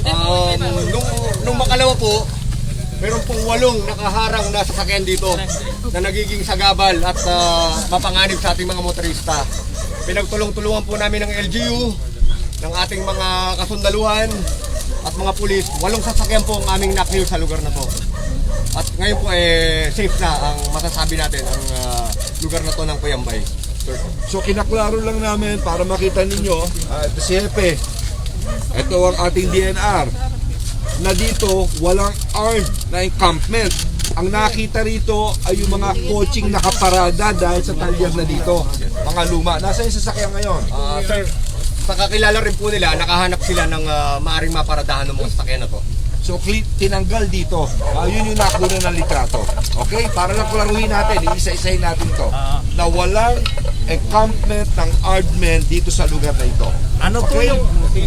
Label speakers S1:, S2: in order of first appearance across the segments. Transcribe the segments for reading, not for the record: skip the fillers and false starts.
S1: Nung makalawa po, meron pong 8 nakaharang na sasakyan dito na nagiging sagabal at mapanganib sa ating mga motorista. Pinagtulong-tulungan po namin ng LGU, ng ating mga kasundaluhan at mga pulis. 8 sasakyan po ang aming nakniw sa lugar na to. At ngayon po safe na ang masasabi natin ang lugar na to ng Puyambay.
S2: So kinaklaro lang namin para makita ninyo, ito si Hepe, ito ang ating DNR, na dito walang armed na encampment. Ang nakita rito ay yung mga coaching nakaparada dahil sa talyer na dito, mga luma. Nasa yung sasakyan ngayon?
S1: Sir, sa kakilala rin po nila, nakahanap sila ng maaring maparadahan ng mga sasakyan na to.
S2: So tinanggal dito, yun yung nakuha ng litrato. Okay? Para lang klaruhin natin, isa-isahin natin to, na walang encampment ng armed men dito sa lugar na ito.
S3: Ano po yung...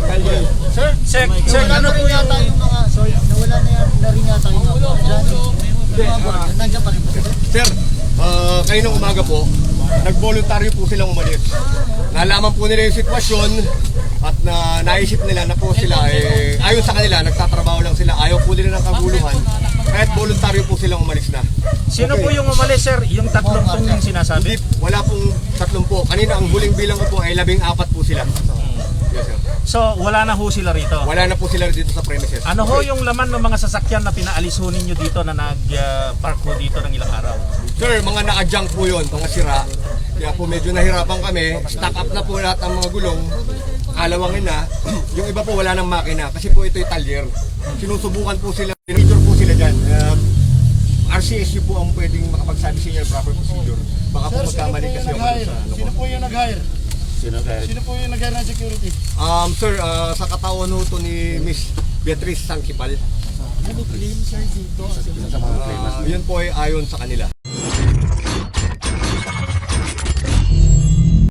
S4: Sir, ano po yata yung mga, sorry, nawala na rin yata yung mga nandiyan pa rin po.
S1: Sir, kayo nung umaga po, nag-voluntaryo po silang umalis. Nalaman po nila yung sitwasyon at naisip nila na po sila, ayon sa kanila, nagtatrabaho lang sila, ayaw po nila ng kaguluhan, kahit voluntaryo po silang umalis na.
S3: Sino po yung umalis, sir? Yung 3 pong yung sinasabi?
S1: Hindi, wala pong 3 po. Kanina ang huling bilang ko po ay 14 po sila. Yes, sir.
S3: So, wala na ho sila rito?
S1: Wala na po sila dito sa premises.
S3: Ano ho yung laman ng mga sasakyan na pinaalis ho ninyo dito na nag-park ho dito ng ilang araw?
S1: Sir, mga naka-junk po yun, mga sira. Kaya po medyo nahirapan kami. Stack up na po lahat ang mga gulong. Kalawangin na. Yung iba po wala ng makina kasi po ito'y talyer. Sinusubukan po sila. Procedure po sila dyan. RCSU po ang pwedeng makapagsabi sa inyo proper procedure. Baka po magkamali kasi ako sa ano.
S4: Sino po yung nag-hire? Sino po yung nag-hire ng security?
S1: Sir, sa katawan ho to ni Miss Beatrice Sangkipal.
S4: Ano claim sir dito?
S1: Yun po ay ayon sa kanila.